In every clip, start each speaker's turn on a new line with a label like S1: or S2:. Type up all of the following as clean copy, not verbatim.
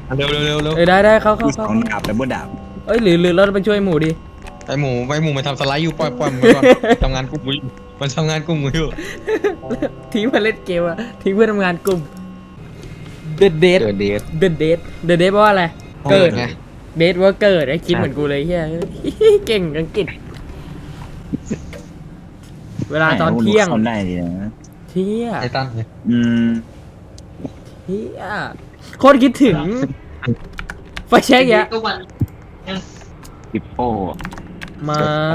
S1: เร็ว
S2: ได้เข้า
S3: ของดาบแต่บ่ดาบ
S2: เอ้ยหรือเราไปช่วยหมูดิ
S1: ไอหมูมันทำสไลด์อยู่ปล่อยมันก่อนทำงานกลุ่มมันทำงานกลุ่มอยู่
S2: ทิ้งมาเล่นเกมอะทิ้งเพื่อทำงานกลุ่ม The Dead
S1: เดท
S2: The Dead แปลว่าอะไรเกิด
S1: ไง
S2: เดทว่าเกิดไอ้คิดเหมือนกูเลยเฮียเก่งอังกฤษเวลาตอนเที่ยง
S3: คนได้ดีนะ
S2: เที่ย
S1: ไททัน
S3: อืม
S2: เที่ยโคตรคิดถึงไฟแช็กยะ
S3: ปิปโป้
S2: มา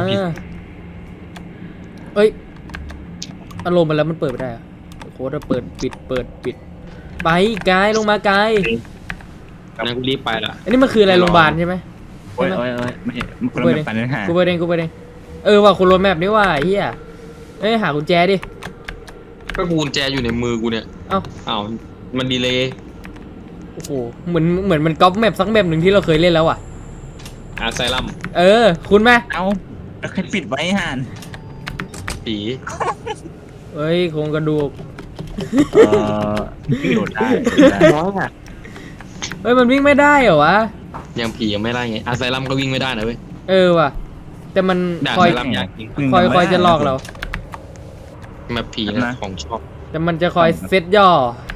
S2: เอ้ยอารมณ์มันแล้วมันเปิดไม่ได้อะโคตรเปิดปิดไปไกลลงมาไกล
S1: งั้นกูรีบไปละ
S2: อันนี้มันคืออะไรโรงพยาบาลใช่ไหม
S3: โอ้ยไม่ใช่คนละแบบปันนะฮะ
S2: กูเปิดเองว่าคุณรถแมพนี่ว่าเฮียเอ้ยหากุญแจดิ
S1: ก็กุญแจอยู่ในมือกูเนี่ย
S2: เอ้า
S1: มันดีเลย
S2: โอ้โหเหมือนมันก๊อปแมปสักแมปหนึ่งที่เราเคยเล่นแล้วอ่ะ
S1: อาไซลัม
S2: คุณไหม
S3: เอ้าแล้วใครปิดไว้ห่าน
S1: ผี
S2: เอ้ยโครงกระดูก
S3: โดดได้
S2: เฮ้ยมันวิ่งไม่ได้เหรอวะ
S1: ยังผียังไม่ไล่ไงอาไซลัมก็วิ่งไม่ได้นะเว้ย
S2: ว่ะแต่มัน
S1: ด่าน
S2: คอย
S1: ไซลัมยากจริง
S2: คอยจะหลอกเรา
S1: มาผีนะของชอบ
S2: แต่มันจะคอยเซตย่อก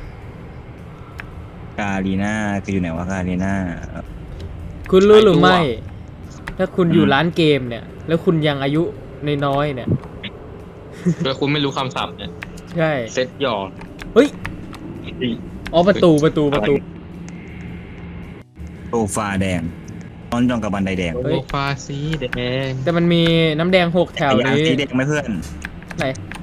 S3: าลีน่าคืออยู่ไหนวะกาลีน่า
S2: คุณรู้หรือไม่ ถ้าคุณอยู่ร้านเกมเนี่ย แล้วคุณยังอายุน้อยๆเนี่ย
S1: แล้วคุณไม่รู้คำศัพท์เนี่ย
S2: ใช่
S1: เซตหยอด
S2: เฮ้ยอ๋อประตู
S3: โซฟาแดงนอนจองกับบันไดแดง
S1: โซฟาสีแดง
S2: แต่มันมีน้ำแดง6แถว
S3: ยาง
S2: นี้
S3: สีแดงไหมเพื่อน
S2: ไหน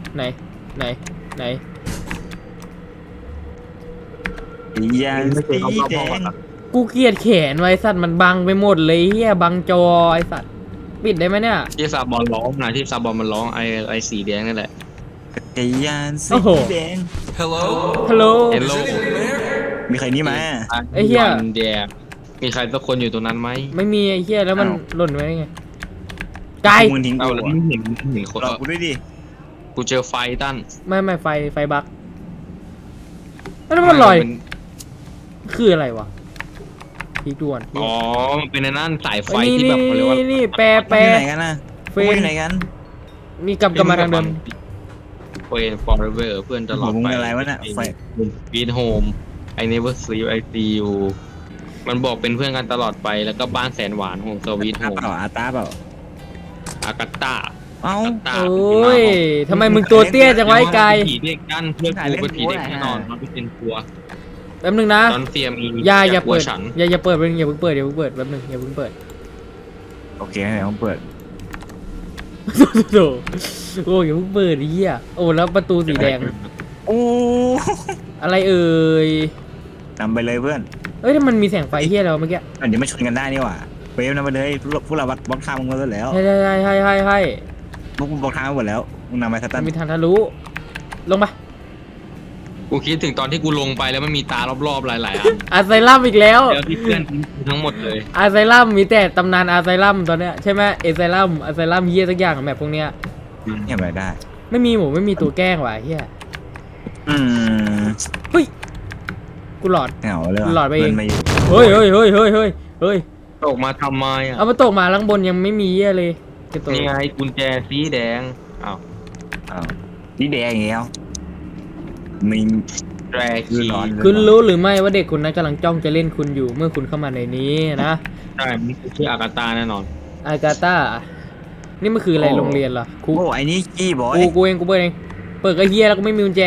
S3: ยางสีแดง
S2: กูเกลียดแขนไว้สัตว์มันบังไปหมดเลยเฮียบังจอไอสัตว์ปิดได้ไหมเนี่ย
S1: ที่ซาบอนร้องนะที่ซาบอนมันร้องไอสีแดงนั่นแหละ
S3: จักรยานสีแดง
S2: ฮัลโหล
S1: เฮลโล
S3: มีใครนี่มา
S2: ไอ้เหี้ย
S1: วันแดงมีใครสักคนอยู่ตรงนั้นไหม
S2: ไม่มีไอ้เฮียแล้วมัน
S3: อ้าว
S2: หล่นไว้ได้ไงไกล
S3: มึงทิ้ง
S1: เอา
S3: กู
S1: แล้ว
S3: อะ
S1: ไม่เห็นคน
S3: รอกูด้วยดิ
S1: กูเจอไฟตั้น
S2: ไม่ไฟบักแล้วมันลอยคืออะไรวะพีกด่วน
S1: อ๋อมันเป็นนั่นสายไฟ
S2: นี่
S1: ที่แบบเขาเรียกว่า
S2: นี่แปร
S3: อยู่ไหนกันนะ
S2: เฟ
S3: กู
S2: น
S3: อยู่ไหนกัน
S2: มีกลับมาทางเดิม
S1: เฟน forever เพื่อนตลอด
S3: มึง
S1: ไป
S3: อะไรวะน่ะไฟ
S1: วีดโฮม I never sleep I see you มันบอกเป็นเพื่อนกันตลอดไปแล้วก็บ้านแสนหวานของสวีทโฮม
S3: อาตาเปล่า
S1: อากาตา
S3: เอ้า
S2: โอ้ยทำไมมึงตัวเตี้ยจังไวะไอ้ไกล
S1: ผีเด็กกันเพื่อนกูเป็นผีเด็กแน่นอนมันไม่เป็นตัว
S2: แป๊บนึงนะ
S1: ตอนเฟียมี
S2: อย่าเปิด
S1: ฉัน
S2: อย่าเปิดอย่าเพิ่งเปิดแป๊บนึงอย่าเพิ่งเปิด
S3: โอเคเดี๋ยวผมเปิด
S2: โอ้ยอย่าเพิ่งเปิดดิเหี้ยโอ้แล้วประตูสีแดง
S3: โอ้
S2: อะไรเอ่ย
S3: นำไปเลยเพื่อน
S2: เอ้ยถ้ามันมีแสงไฟเหี้ยแล้วเมื่อกี้
S3: เดี๋ยวมาชนกันได้นี่หว่าเวฟนำไปเลยพวกเราบล็อกทางมึงมาแล้ว
S2: ให้
S3: พวกมึงบล็อกทางมาหมดแล้วมึงนำไปส
S2: มั
S3: ตั
S2: น
S3: น
S2: มีทางทะลุลงมา
S1: กูคิดถึงตอนที่กูลงไปแล้วมันมีตารอบๆหลายๆอัน
S2: อาไซลัมอีกแล้ว
S1: แล้วที่เพื่อนทิ้งกูทั้งหมดเลย
S2: อาไซลัมมีแต่ตำนานอาไซลัมตอนเนี้ยใช่ไหมอาไซลัมเฮียสักอย่างแบบพวกเนี้ย
S3: เห็นไหมได้
S2: ไม่มีหมูไม่มีตัวแกล้งว่ะเฮีย
S3: อืม
S2: เฮ้ยกูหลอด
S3: เหงาเลย
S2: หลอดไปเอง
S3: ไม่
S2: เฮ้ย
S1: ตกมาทำไมอ่ะ
S2: เอามาตกมาข้างบนยังไม่มีเฮียเลยจะตก
S1: นี่ไงกุญแจสีแดงอ้าว
S3: อ้าวนี่แดงอย่างเงี้ยมี
S1: แดร
S3: คื
S1: คี
S3: อร้อน
S2: คุณรู้หรือไม่ว่าเด็กคนนั้นกำลังจ้องจะเล่นคุณอยู่เมื่อคุณเข้ามาในนี้นะ
S1: ใช่มันคือชื่ออากาตาแน่นอน
S2: อากาตานี่มันคืออะไรโรงเรียนเหรอครู
S3: โอ้ไอ้นี่กี้บอย
S2: กูเองกูเปิดเองเปิดกระเฮียแล้วก็ไม่มีกุญแจ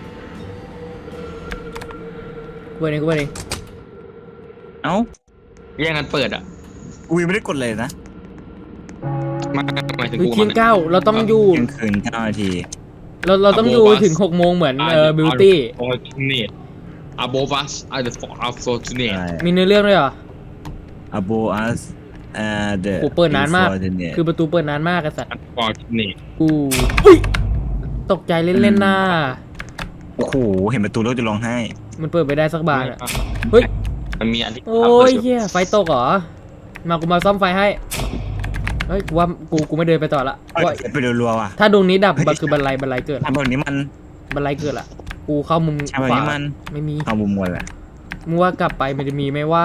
S2: กูเปิดเอง
S3: เอ้า
S1: แย่งกันเปิดอ่ะ
S3: กูยังไม่ได้กดเลยนะ
S1: มาหมายถึง
S2: คือ
S1: กู
S2: เที่ยงเก้าเราต้องอยู่
S3: เที่ยงคืน9 นาที
S2: เราต้องอยู่ถึง6 โมงเหมือนบิวตี้
S1: fortunate above us are the fortunate
S2: มีเนื้อเรื่องด้วยเหรอ
S3: Abo us the
S2: โหเปิดนานมาก
S3: unfortunate
S2: คือประตูเปิดนานมากไอ้สัตว์
S1: fortunate
S2: กูอุ้ยตกใจเล่นๆหน้า
S3: โอ้โหเห็นประตูแล้วจะร้องไห้
S2: มันเปิดไปได้สักบานอ่ะเฮ้ย
S1: มันมีอันที่
S2: โอ้ยเฮียไฟตกเหรอกูมาซ่อมไฟให้เฮ้ยกูว่ากูไม่เดินไปต่อละว่า
S3: ไปรัวๆว่ะ
S2: ถ้าดวงนี้ดับคือบันไลเกิด
S3: ทำแบบนี้มัน
S2: บันไลเกิดละกูเข้ามุม
S3: ทำแบบ
S2: ขวา
S3: นี้มัน
S2: ไม่มี
S3: เอามุมมวลแหละ
S2: มึงว่ากลับไปมันจะมีไหมว่า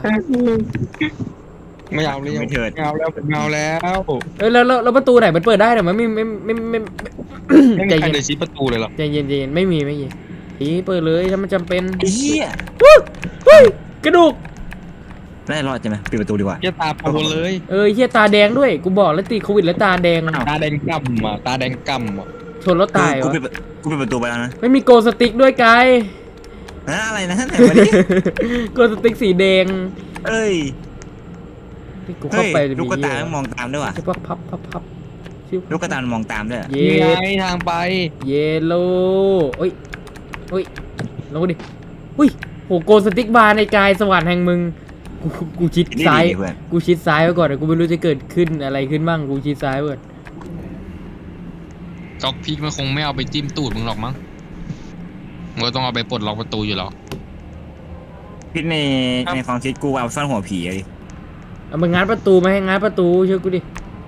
S1: ไม่เอาเลย
S3: ไม่เถิด
S1: ไม่เอาแล้วไม่เอาแล้ว
S2: เอ้ยแล้วประตูไหนมันเปิดได้แต่มันไม่
S1: ไม่
S2: ใจ
S1: มีใคร
S2: เย็น
S1: เลยชี้ประตูเลยหรอ
S2: ใจเย็นใจเย็นไม่มีอีเปิดเลยถ้ามันจำเป็น
S3: ไอ้เหี้ย
S2: เฮ้ยกระดูก
S3: ได้รอดใช่ไหมปิดประตูดีกว่า
S1: เหี้ยตาโปนเลย
S2: เฮียตาแดงด้วยกูบอกแล้วติดโควิดแล้วตาแดง
S1: ตาแดงกำอ่ะตาแดงกำอ่ะ
S2: ชนแล้วตาย
S3: กู
S2: วะ
S3: ปิดประตูไปแล้วนะ
S2: ไม่มีโกสติ๊กด้วยกาย
S3: อะไรนะไหนมาดิ
S2: โกสติ๊กสีแดง
S3: เอ้ย
S2: ที่กู
S3: เฮ้
S2: เข้าย ไปจะ
S3: ลูกกระ
S2: มี
S3: ตายมันมองตามด้วยว่ะ
S2: ใช่ปะพับชิว
S3: ลูกกระตายมันมองตามด้วย
S2: เย
S1: นี่ไง
S2: ด
S1: ทางไป
S2: เยโลเฮ้ยลงดิอุ้ยโหโกสติ๊กบาร์ในกายสวรรค์แห่งมึงกูชิด
S3: นี่
S2: ซ้าย
S3: ดีเพื่อน
S2: กูชิดซ้ายไว้ก่อนแต่กูไม่รู้จะเกิดขึ้นอะไรขึ้นบ้างกูชิดซ้ายไว้ก่อน
S1: จ็อกพีกมันคงไม่เอาไปจิ้มตูดมึงหรอกมั้งมึงก็ต้องเอาไปปลดล็อกประตูอยู่หรอก
S3: คิดในความคิดกูเอาซ่อนหัวผีเลย
S2: เอามางัดประตูมาให้งัดประตูเชื่อกูดิ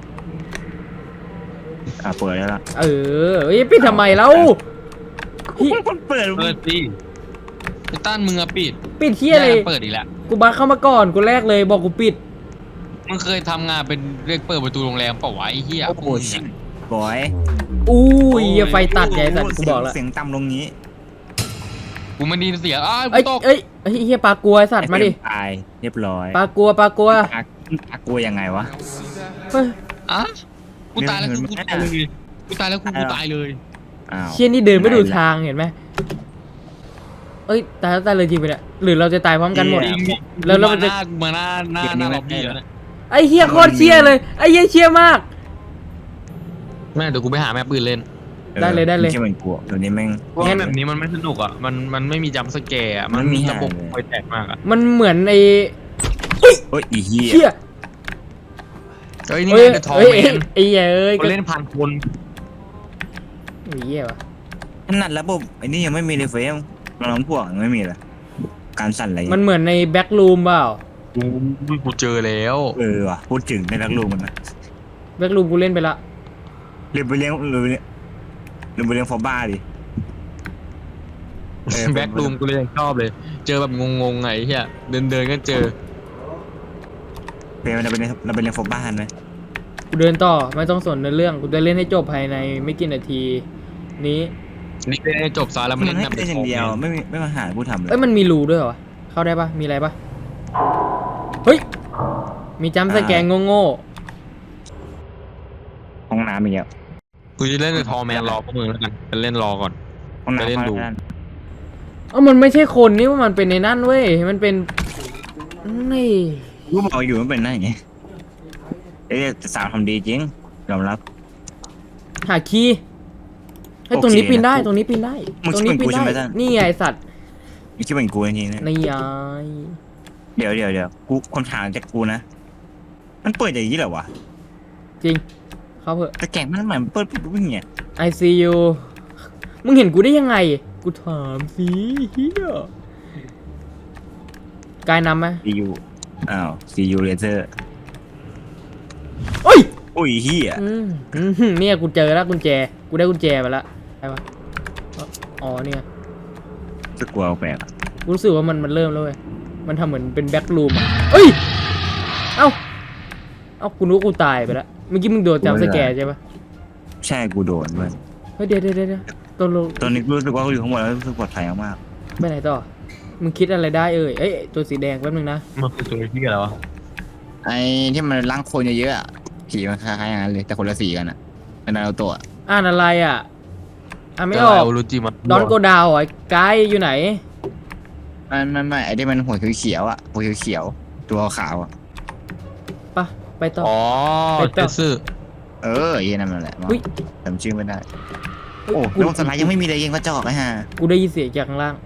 S3: เปิดแล้วล่ะ
S2: เอ้ยปิดทำไมแล้ว
S3: คนเปิด
S1: เปิดสิไอ้ต้านมึงอะปิด
S2: ปิดเที่ยอะไร
S1: แกเปิดอีกแล้ว
S2: กูบักเข้ามาก่อนกูแรกเลยบอกกูปิด
S1: มึงเคยทำงานเป็นเรียกเปิดประตูโรงแรมเปล่าวะไอ้เหี้ย
S3: โอ้โหชิบอย
S2: อู้ยเหี้ยไฟตัดไงสัตว์กูบอกแล้ว
S3: เสียงต่ำลงนี้
S1: กูไม่ไดีเสียอ้าวกู
S2: เอ้ย
S1: ตก
S2: เอ้ยเฮียปลากลัวไอ้สัตว์มาดิ
S3: ตายเรียบร้อย
S2: ปลากลัว
S3: ปากลัวยังไงวะ
S2: เฮ้ย
S1: อ่ะกูตายแล้วกูตายเลยกูตายแล้วกูตายเลย
S3: อ้าว
S2: เชี่ยนี่เดินไม่ดูทางเห็นไหมเอ้ยตายแล้วตายเลยจริงไปเนี่ยหรือเราจะตายพร้อมกันหมด
S1: จริง
S2: แล้วมันจะ
S1: มาหน้าล็อบบี้แล้วนะ
S2: ไอ้เฮียโคตรเชี่ยเลยไอ้เฮียเชี่ยมาก
S1: แม่เดี๋ยวกูไปหาแม่ปืนเล่น
S2: ได้เลย
S3: ไม่ใช่เหมือนกลัวเดี๋ยวนี้แม่ง
S1: เพราะแบบนี้มันไม่สนุกอ่ะมันไม่มีจัมป์สแกร์อ่ะมันมีระบบคอยแตกมากอ่ะ
S2: มันเหมือนไอ้
S3: โอ้ยอีเหี้ย
S2: เชี่ย
S1: เฮ้ยนี่
S2: เอ้ย
S1: ไงเดอะทอ
S2: เอ้ย
S1: แมน
S2: ไอ้เหี้ยเอ้ย
S1: คนเล่นพันคน
S2: ไอ้เหี้ยวะ
S3: ขนาดระบบไอ้นี่ยังไม่มีเลยเฟรมน้องพวกยังไม่มีเลยการสั่นอะไร
S2: มันเหมือนในแบ็กรูมเปล่า
S1: กูเจอแล้ว
S3: ว่ะพูดถึงในนักลูกมันนะ
S2: แบ็กรูมกูเล่นไปละ
S3: เรียนไปเลี้ยงฟอร์บ้าดิ
S1: แบ็กรูมกูเลยยังชอบเลย เจอแบบงงๆไงเฮียเดินก็เจอ
S3: เฟรมเราไปเลี้ยงฟอร์บ้าไหม
S2: กูเดินต่อไม่ต้องสนในเรื่องกูจะเล่นให้จบภายในไม่กี่นาทีนี้
S1: นี่ได้จบซะแล้วมัน
S3: มัน
S1: เล่น
S3: ให้
S1: แบบ
S3: ได้อย่างเดียวไม่มาหาผู้ทำเลย
S2: เอ้ยมันมีรูด้วยเหรอวะเข้าได้ปะมีอะไรปะเฮ้ยมีจัมป์สแกนโง่
S3: ห้องน้ำอีกแล้ว
S1: กูจะเล่นเดอะทอแมนรอพวกมึงแล้วกันจะเล่นรอก่อน
S3: ห้องน้ำ
S1: ไปเล่นดู
S2: ๆมันไม่ใช่คนนี่ว่ามันเป็นในนั่นเว้ยมันเป็นนี่
S3: กูบอกอยู่มันเป็นนั่นไงแต่สาวทำดีจริงยอมรับ
S2: หาคีย์ไอ้ยตรงนี้ปีนได้ตรงนี้ปีนได้
S3: มึง
S2: ตรง
S3: คิด
S2: นี้
S3: เป็น
S2: ปี
S3: กู
S2: น
S3: ใช่ไหม
S2: ได้
S3: ท่าน
S2: นี่ไงไอ้สัตว์
S3: ไม่คิดเป็นกูจริงๆนะ
S2: นี่ไง
S3: เดี๋ยวกูคนถามจากกูนะมันเปิดอย่างนี้เหรอวะ
S2: จริงเข้าเถอะ
S3: แต่แกงมันเหมือนเปิดปุ๊บอย่างเงี้ย
S2: I see you มึงเห็นกูได้ยังไง กูถามสิเฮียกายนำไหม
S3: ซียูซียูเลเซอร์
S2: โอ้ย
S3: โอ้ยเฮีย
S2: เนี่ยกูเจอแล้วกุญแจ กูได้กุญแจมาแล้วใช่ปะอ๋อเนี่ย
S3: จะกลัวแปลก
S2: กูรู้สึกว่ามันเริ่มแล้วเว้ย มันทำเหมือนเป็นแบ็กรูมอ่ะเอ้ย เอ้ากูนึกว่ากูตายไปแล้ว เมื่อกี้มึงโดนจับสแกร์ใช่ปะ
S3: ใช่กูโดนเว้ย
S2: เฮ้ยเดี๋ยวตกลง
S3: ตอนนี้กูรู้สึกว่ากูอยู่ข้างบนแล้วรู้สึกปลอดภัยมาก
S2: ไปไหนต่อ มึงคิดอะไรได้เอ้ยตัวสีแดงแป๊บนึงนะ
S1: มันคือตัวที่อะไรวะ
S3: ไอ้ที่มันล้างคนเยอะๆผีมันคล้ายๆอย่างนั้นเลยแต่คนละสีกันอ่ะเป็นนารูโตะ
S2: อ่านอะไรอ่ะอ่านไม่ออก
S1: รู้จิมัน
S2: ดอนโกดาวไอ้ไกด์อยู่ไหน
S3: ไม่ไอ้ที่มันหัวเขียวๆอ่ะหัวเขียวๆตัวขาวอ่ะ
S2: ไปต่อ
S1: อ๋อ
S2: ไปต่อ
S1: เจสึ
S3: ยี่นั่นแหละ
S2: อุ๊ย
S3: จำชื่อไม่ได้
S2: เฮ้ย
S3: โอ้
S2: กู
S3: โลกสลายยังไม่มีเลยยังกระจอกไอ้ห่า
S2: กูได้ยินเสียงจากข้างล่าง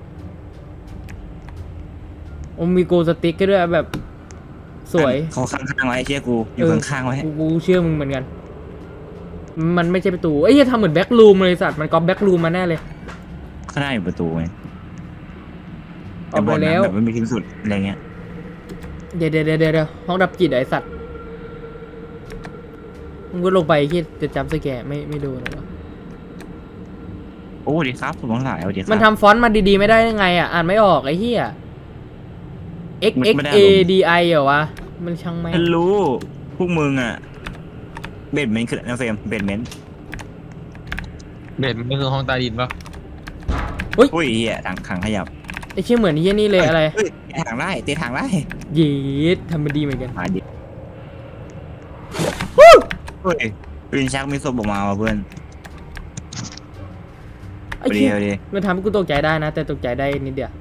S2: โอ้มีโกสติ๊กก็ด้วยแบบ สวย
S3: เขาข้างๆไว้ไอ้เชี่ยกูอยู่ข้างๆไว้
S2: กูเชื่อมึงเหมือนกัน มันไม่ใช่ประตูเอ้ยทำเหมือนแบ็กรูมเลยสัตว์มันก๊อปแบ็กรูมมาแน่เลย
S3: ข้างหน้าอยู่ประตูไง
S2: ออกไปแล้ว
S3: แบบไม่มีที่สุดอะไรเงี้ย
S2: เดี๋ยวห้องดับจิตไอ้สัตว์มึงก็ลงไปที่จะจำสแกร์ไม่ดูหรอ
S3: โอ้ดีครับผมต้องหลายเอาดีครับ
S2: มันทำฟอนต์มาดีๆไม่ได้ยังไงอ่ะอ่านไม่ออกไอ้เหี้ย X X A D I เหรอวะมันช่างแม่ง
S3: ฉันรู้พวกมึงอ่ะเบดเมนต์คือนะเฟรมเบดเมนต์
S1: เบสมันคือห้องใต้ดินปะ
S3: อุ้ยเฮียถังขยับ
S2: ไอ้เชี่ยเหมือนเฮียนี่เลยอะไร
S3: เฮ้ยเตะถังได้เตะถังได้
S2: เย็ดทำมันดีเหมือนกัน
S3: มาดิเฮ้ยวินชักมีศพออกมาว่ะเพื่อน
S2: ไอ้เชี่ย
S3: เดียว
S2: มันทำให้กูตกใจได้นะ แต่ตกใจได้นิดเดียว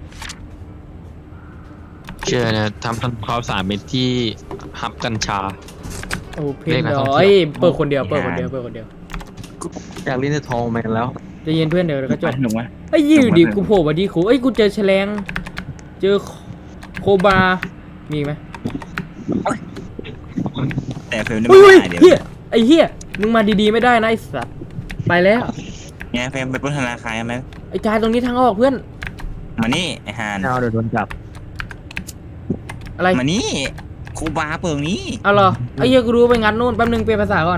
S1: เชื่อนะทำความ3 เม็ดที่ฮับกัญชา
S2: โอ้เพ
S1: เล
S2: น
S1: ขนัก
S2: ด
S1: ท่อง
S2: อ
S1: เที่ยว
S2: ยเปิดคนเดียวเปิดคนเดียวเปิดคนเดียว
S1: อยากเล่นในทองแมนแล้ว
S2: ใจะเย็นเพื่อนเดี๋ยวก็จบ
S3: หนุ่มไหม
S2: ไอ้ยอยู่ดิกูโผล่มาดีคูเอ้ยกูเจอแฉลงเจอโคบา มีไหม
S3: แต่เฟรมได้
S2: อุ้
S3: ไม่
S2: ย
S3: ได้เดี๋ยว
S2: เฮียไอ้เฮียมึงมาดีๆไม่ได้นะไอ้สัตว์ไปแล้ว
S3: ไงเฟรมไปปล้นธนาคารไหม
S2: ไอ้กายตรงนี้ทางออกเพื่อน
S3: มานี่ไอ้ฮาน
S1: เอาเดี๋ยวโดนจับ
S2: อะไร
S3: มานี่ครูบาเปิงนี้
S2: เอาเหรอไอ้เฮียกูรู้ไปงัดนู่นแป๊บนึงเปลี่ยนภาษาก่อน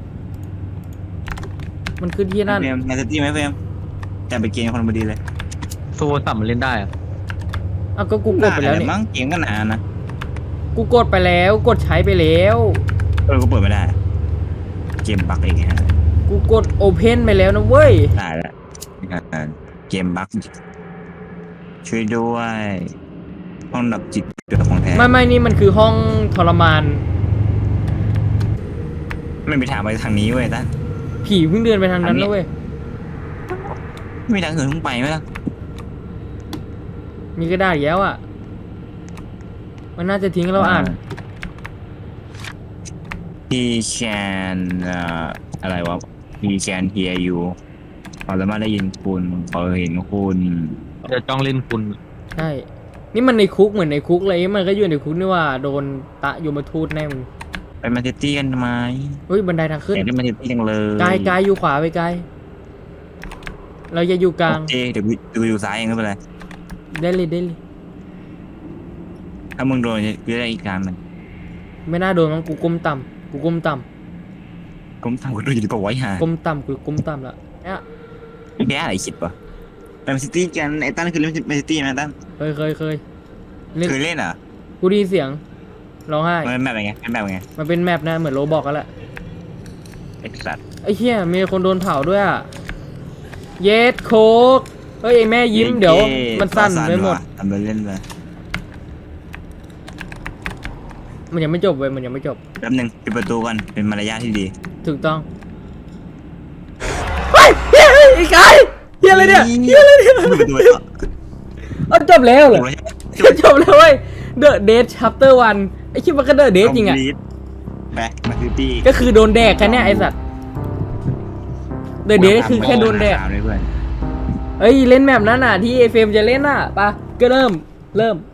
S2: มันขึ้นที่นั่น
S3: เฟรมแมนซิตี้ไหมเฟรมแต่ไปเกณฑ์คนพอดีเลย
S1: โซ่ต่ำมันเล่นได้อะ
S2: เอาก็กูกดไปแล้ว
S3: ด้
S2: นี่
S3: มั้งเกมก็นานนะ
S2: กูกดไปแล้วกดใช้ไปแล้ว
S3: ก็เปิดไม่ได้ เกมบั๊กอีกฮะ
S2: กูกดโอเพนไปแล้วนะเว้ย
S3: ตายแล้วเกมบั๊กช่วยด้วยห้องดับจิตเดือดของแท้
S2: ไม่นี่มันคือห้องทรมาน
S3: ไม่มีทางไปทางนี้เว้ยตั้น
S2: ผีเพิ่งเดินไปทางนั้นแล้วเว้ย
S3: ไม่มีทางอื่นต้องไปไหมล่ะ
S2: มีกระดาษอีกแล้วอ่ะ มันน่าจะทิ้งเราอ่าน
S3: He can อะไรวะ He can hear you เขาสามารถได้ยินคุณเขาเห็นคุณ
S1: จะจ้องเล่นคุณ
S2: ใช่ นี่มันในคุกเหมือนในคุกเลย มันก็อยู่ในคุกนี่ว่าโดนตะยมทูตแน่มึง
S3: ไปแมนซิตี้กันทำไม
S2: เฮ้ยบันไดทางขึ้น
S3: อยากได้แมนซิตี้จังเลย
S2: กายอยู่ขวาไปกายเราจะอยู่กลาง
S3: โอเคเดี๋ยวกูอยู่ซ้ายเองไม่เป็นไร
S2: ได้เลย
S3: ถ้ามึงโดนกูจะได้อีกการหนึ่ง
S2: ไม่น่าโดนมั้งกูก้มต่ำ
S3: ก้มทำกูดูอยู่ดีกว่าไว้หา
S2: ก้มต่ำกูก้มต่ำละเนี่ย
S3: แกอะไรคิดปะไปแมนซิตี้กันไอ้ตั้นคือเล่นแมนซิตี้ไหมตั้น
S2: เคยเล่น
S3: เคยเล่นเหรอ
S2: กูได้ยินเสียงร้องไห้
S3: มันเป็นแบบไงเป็นแบบไง
S2: มันเป็นแมปนะเหมือนโรบอกกันแหละ
S3: ไอ้สัตว์
S2: ไอ้เหี้ยมีคนโดนเผาด้วยอ่ะ เยสโคกเฮ้ยไอ้แม่ยิ้มเดี๋ยว มันสั่นไปหมด
S3: ทำไปเล่นไป
S2: มันยังไม่จบเว้ยมันยังไม่จบ
S3: แป๊บนึงปิดประตูกันเป็นมารยาทที่ดี
S2: ถูกต้องเฮ้ยเฮียไอ้กายเฮียอะไรเนี่ย
S3: ปิดประตูเลย
S2: เอาจบแล้วเหรอ
S3: จบ
S2: จบแล้วเว้ย The Dead Chapter 1ไอ้คิดว่าก็ The Dead จริงอ่ะ
S3: ไปมาซิตี้
S2: ก็คือโดนแดกกันเนี่ยไอ้สัตว์ The Dead คือแค่โดนแดก
S3: เลยเพื่อน
S2: เฮ้ยเล่นแมปนั้นน่ะที่เอฟเฟมจะเล่นน่ะปะก็เริ่ม